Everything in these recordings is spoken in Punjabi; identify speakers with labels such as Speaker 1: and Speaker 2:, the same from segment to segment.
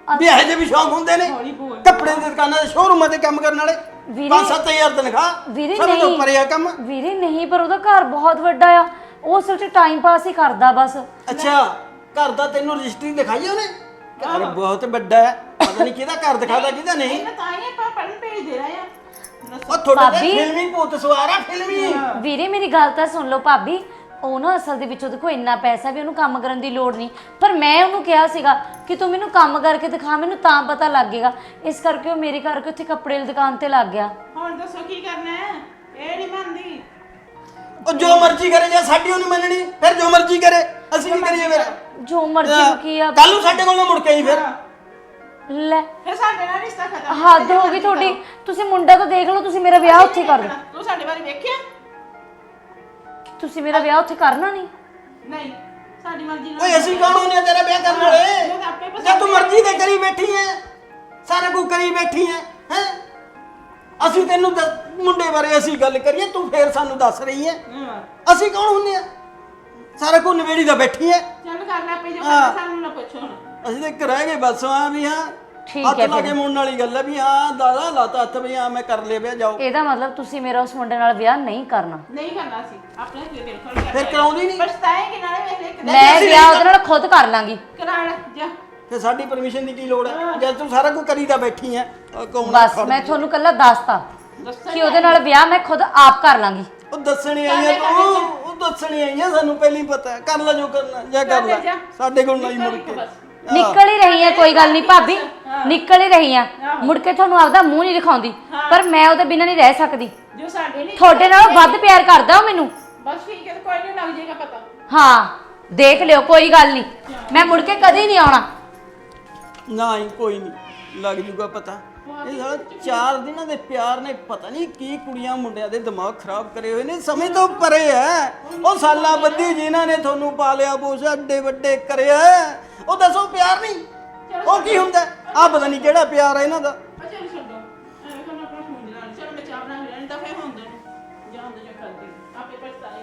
Speaker 1: ਵੀ ਇਹੋ ਜਿਹੇ ਵੀ ਸ਼ੌਂਕ ਹੁੰਦੇ ਨੇ ਕੱਪੜੇ ਦੀ ਦੁਕਾਨਾਂ ਦੇ ਸ਼ੋਰੂਮਾਂ ਤੇ ਕੰਮ ਕਰਨ ਵਾਲੇ 5-7 ਹਜ਼ਾਰ ਤਨਖਾਹ ਸਭ ਤੋਂ ਪਰੇ ਆ ਕੰਮ
Speaker 2: ਵੀਰੇ ਨਹੀਂ ਪਰ ਉਹਦਾ ਘਰ ਬਹੁਤ ਵੱਡਾ ਆ ਉਹ ਸਿਰਫ ਟਾਈਮ ਪਾਸ ਹੀ ਕਰਦਾ ਬਸ
Speaker 1: ਅੱਛਾ ਘਰ ਦਾ ਤੈਨੂੰ ਰਜਿਸਟਰੀ ਦਿਖਾਈ ਉਹਨੇ ਘਰ ਬਹੁਤ ਵੱਡਾ ਹੈ ਪਤਾ ਨਹੀਂ ਕਿਹਦਾ ਘਰ ਦਿਖਾਦਾ ਕਿਹਦਾ ਨਹੀਂ
Speaker 3: ਤਾਂ ਹੀ ਆਪਾਂ ਪੜਨ ਭੇਜ ਦੇ ਰਹੇ ਆ
Speaker 1: ਉਹ ਤੁਹਾਡੇ ਤੇ ਫਿਲਮੀ ਭੂਤ ਸਵਾਰ ਆ ਫਿਲਮੀ
Speaker 2: ਵੀਰੇ ਮੇਰੀ ਗੱਲ ਤਾਂ ਸੁਣ ਲਓ ਭਾਬੀ ਉਹ ਨਾ ਅਸਲ ਦੇ ਵਿੱਚ ਉਹਦੇ ਕੋਲ ਇੰਨਾ ਪੈਸਾ ਵੀ ਉਹਨੂੰ ਕੰਮ ਕਰਨ ਦੀ ਲੋੜ ਨਹੀਂ ਪਰ ਮੈਂ ਉਹਨੂੰ ਕਿਹਾ ਸੀਗਾ ਕਿ ਤੂੰ ਮੈਨੂੰ ਕੰਮ ਕਰਕੇ ਦਿਖਾ ਮੈਨੂੰ ਤਾਂ ਪਤਾ ਲੱਗੇਗਾ ਇਸ ਕਰਕੇ ਉਹ ਮੇਰੇ ਕਰਕੇ ਉੱਥੇ ਕੱਪੜੇ ਦੀ ਦੁਕਾਨ ਤੇ ਲੱਗ ਗਿਆ
Speaker 3: ਹੁਣ ਦੱਸੋ ਕੀ ਕਰਨਾ ਹੈ ਇਹ ਨਹੀਂ ਮੰਨਦੀ
Speaker 1: ਉਹ ਜੋ ਮਰਜ਼ੀ ਕਰੇ ਜੇ ਸਾਡੀ ਉਹ ਨਹੀਂ ਮੰਨਣੀ ਫਿਰ ਜੋ ਮਰਜ਼ੀ ਕਰੇ ਅਸੀਂ ਕੀ ਕਰੀਏ ਫਿਰ
Speaker 2: ਜੋ ਮਰਜ਼ੀ ਕੀ ਆ
Speaker 1: ਕੱਲ ਨੂੰ ਸਾਡੇ ਕੋਲ ਨਾ ਮੁੜ ਕੇ ਆਈ ਫਿਰ
Speaker 2: ਲੈ
Speaker 3: ਫਿਰ ਸਾਡੇ ਨਾਲ ਰਿਸ਼ਤਾ ਖਤਮ
Speaker 2: ਹੱਦ ਹੋ ਗਈ ਤੁਹਾਡੀ ਤੁਸੀਂ ਮੁੰਡਾ ਤਾਂ ਦੇਖ ਲਓ ਤੁਸੀਂ ਮੇਰਾ ਵਿਆਹ ਉੱਥੇ ਕਰ ਦਿਓ
Speaker 3: ਤੂੰ ਸਾਡੇ ਬਾਰੇ ਵੇਖਿਆ
Speaker 2: ਤੁਸੀਂ ਮੇਰਾ ਵਿਆਹ ਉੱਥੇ ਕਰਨਾ ਨਹੀਂ
Speaker 3: ਨਹੀਂ ਸਾਡੀ ਮਰਜ਼ੀ ਨਾਲ
Speaker 1: ਓਏ ਅਸੀਂ ਕੌਣ ਹੁੰਨੇ ਤੇਰਾ ਵਿਆਹ ਕਰਨ ਵਾਲੇ ਜੇ ਤੂੰ ਮਰਜ਼ੀ ਤੇ ਕਰੀ ਬੈਠੀ ਐ ਸਾਰਾ ਕੁਝ ਕਰੀ ਬੈਠੀ ਐ ਹੈ ਅਸੀਂ ਤੈਨੂੰ ਮੁੰਡੇ ਬਾਰੇ ਅਸੀਂ ਗੱਲ ਕਰੀਏ ਤੂੰ ਫੇਰ ਸਾਨੂੰ ਦੱਸ ਰਹੀ ਐ ਅਸੀਂ ਕੌਣ ਹੁੰਨੇ ਆ ਸਾਰਾ ਕੁਝ ਨਵੇੜੀ ਦਾ ਬੈਠੀ ਐ
Speaker 3: ਚੱਲ ਕਰ ਲੈ ਪਈ ਜੋ ਕਰਨਾ ਸਾਨੂੰ ਨਾ ਪੁੱਛੋ ਹੁਣ
Speaker 1: ਅਸੀਂ ਤਾਂ ਇੱਕ ਰਹਿ ਗਏ ਬਸ ਆ ਵੀ ਹਾਂ
Speaker 2: ਠੀਕ
Speaker 1: ਹੱਥ
Speaker 2: ਹੈ
Speaker 1: ਲਾ ਕੇ ਮੁੰਨ ਵਾਲੀ ਗੱਲ ਹੈ ਵੀ ਹਾਂ ਦਾਦਾ ਲਾਤਾ ਹੱਥ ਵੀ ਹਾਂ ਮੈਂ ਕਰ ਲਿਆ ਵਿਆਹ ਜਾਓ
Speaker 2: ਇਹਦਾ ਮਤਲਬ ਤੁਸੀਂ ਮੇਰਾ ਉਸ ਮੁੰਡੇ ਨਾਲ ਵਿਆਹ ਨਹੀਂ ਕਰਨਾ
Speaker 3: ਨਹੀਂ ਕਰਨਾ ਸੀ ਆਪਣੇ ਦਿਲ ਖੋਲ ਕੇ
Speaker 1: ਫਿਰ ਕਰਾਉਂਦੀ ਨਹੀਂ
Speaker 3: ਪਛਤਾਏਂਗੇ ਨਾਲੇ ਵੇਖ ਲੈ
Speaker 2: ਮੈਂ ਵਿਆਹ ਉਹਦੇ ਨਾਲ ਖੁਦ ਕਰ ਲਾਂਗੀ
Speaker 3: ਕਰਾ ਲੈ ਜਾ
Speaker 1: ਤੇ ਸਾਡੀ ਪਰਮਿਸ਼ਨ ਦੀ ਕੀ ਲੋੜ ਹੈ ਜਦ ਤੂੰ ਸਾਰਾ ਕੁਝ ਕਰੀਦਾ ਬੈਠੀ ਐ
Speaker 2: ਬਸ ਮੈਂ ਤੁਹਾਨੂੰ ਕੱਲਾ ਦੱਸਤਾ ਕਿ ਉਹਦੇ ਨਾਲ ਵਿਆਹ ਮੈਂ ਖੁਦ ਆਪ ਕਰ ਲਾਂਗੀ
Speaker 1: ਉਹ ਦੱਸਣੀ ਆਈ ਆ ਤੂੰ ਉਹ ਦੱਸਣੀ ਆਈ ਆ ਸਾਨੂੰ ਪਹਿਲਾਂ ਹੀ ਪਤਾ ਕਰ ਲੈ ਜੋ ਕਰਨਾ ਜਾਂ ਕਰ ਲੈ ਸਾਡੇ ਕੋਲ ਨਹੀਂ ਮੁੜ ਕੇ
Speaker 2: ਨਿਕਲ ਹੀ ਰਹੀ ਹੈ ਕੋਈ ਗੱਲ ਨਹੀਂ ਭਾਬੀ ਨਿਕਲ ਹੀ ਰਹੀ ਆ ਮੁੜ ਕੇ ਤੁਹਾਨੂੰ ਆਪਦਾ ਮੂੰਹ ਨਹੀਂ ਦਿਖਾਉਂਦੀ ਪਰ ਮੈਂ ਉਹਦੇ ਬਿਨਾਂ ਨਹੀਂ ਰਹਿ ਸਕਦੀ
Speaker 3: ਜੋ ਸਾਡੇ ਨਹੀਂ
Speaker 2: ਤੁਹਾਡੇ ਨਾਲੋਂ ਵੱਧ ਪਿਆਰ ਕਰਦਾ ਉਹ ਮੈਨੂੰ
Speaker 3: ਬਸ ਠੀਕ ਹੈ ਕੋਈ ਨਹੀਂ ਲੱਗ ਜਾਏਗਾ ਪਤਾ
Speaker 2: ਹਾਂ ਦੇਖ ਲਿਓ ਕੋਈ ਗੱਲ ਨਹੀਂ ਮੈਂ ਮੁੜ ਕੇ ਕਦੇ ਨਹੀਂ ਆਉਣਾ
Speaker 1: ਨਾ ਹੀ ਕੋਈ ਨਹੀਂ ਲੱਗ ਜੂਗਾ ਪਤਾ ਇਹ ਸਾਲਾ 4 ਦਿਨਾਂ ਦੇ ਪਿਆਰ ਨੇ ਪਤਾ ਨਹੀਂ ਕੀ ਕੁੜੀਆਂ ਮੁੰਡਿਆਂ ਦੇ ਦਿਮਾਗ ਖਰਾਬ ਕਰੇ ਹੋਏ ਨੇ ਸਮਝ ਤੋਂ ਪਰੇ ਐ ਉਹ ਸਾਲਾਂ ਬੱਧੀ ਜਿਨ੍ਹਾਂ ਨੇ ਤੁਹਾਨੂੰ ਪਾਲਿਆ ਪੋਸਿਆ ਏਡੇ ਵੱਡੇ ਕਰਿਆ ਉਹ ਦੱਸੋ ਪਿਆਰ ਨਹੀਂ ਉਹ ਕੀ ਹੁੰਦਾ ਆ ਪਤਾ ਨਹੀਂ ਕਿਹੜਾ ਪਿਆਰ ਹੈ ਇਹਨਾਂ ਦਾ
Speaker 3: ਅੱਛਾ ਛੱਡੋ ਐਵੇਂ ਕਰਨਾ ਆਪਣਾ ਫੋਨ ਨਾਲ ਚਲ ਮੈਂ ਚਾਹ ਬਣਾ ਲੈਣੀ ਤਾਂ ਫੇਰ ਹੁੰਦੇ ਨੇ ਜਾਂ ਹੁੰਦੇ ਜਾਂ ਕਰਦੀ ਆਪੇ ਪਛਤਾਏ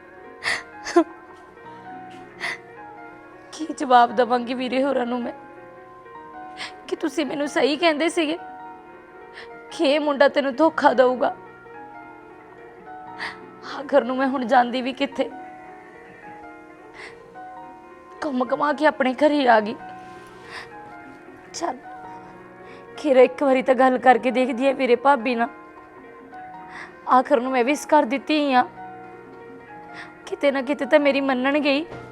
Speaker 2: ਕੀ ਜਵਾਬ ਦਵਾਂਗੀ ਵੀਰੇ ਹੋਰਾਂ ਨੂੰ ਮੈਂ ਕਿ ਤੁਸੀਂ ਮੈਨੂੰ ਸਹੀ ਕਹਿੰਦੇ ਸੀਗੇ ਕਿ ਇਹ ਮੁੰਡਾ ਤੈਨੂੰ ਧੋਖਾ ਦਊਗਾ ਆਖਰ ਨੂੰ ਮੈਂ ਹੁਣ ਜਾਂਦੀ ਵੀ ਕਿੱਥੇ ਘੁੰਮ ਘਮਾ ਕੇ ਆਪਣੇ ਘਰ ਹੀ ਆ ਗਈ ਚੱਲ ਖੀਰ ਇੱਕ ਵਾਰੀ ਤਾਂ ਗੱਲ ਕਰਕੇ ਦੇਖਦੀ ਆ ਵੀਰੇ ਭਾਬੀ ਨਾਲ ਆਖਰ ਨੂੰ ਮੈਂ ਵੀ ਇਸ ਕਰ ਦਿੱਤੀ ਆ ਕਿਤੇ ਨਾ ਕਿਤੇ ਤਾਂ ਮੇਰੀ ਮੰਨਣ ਗਈ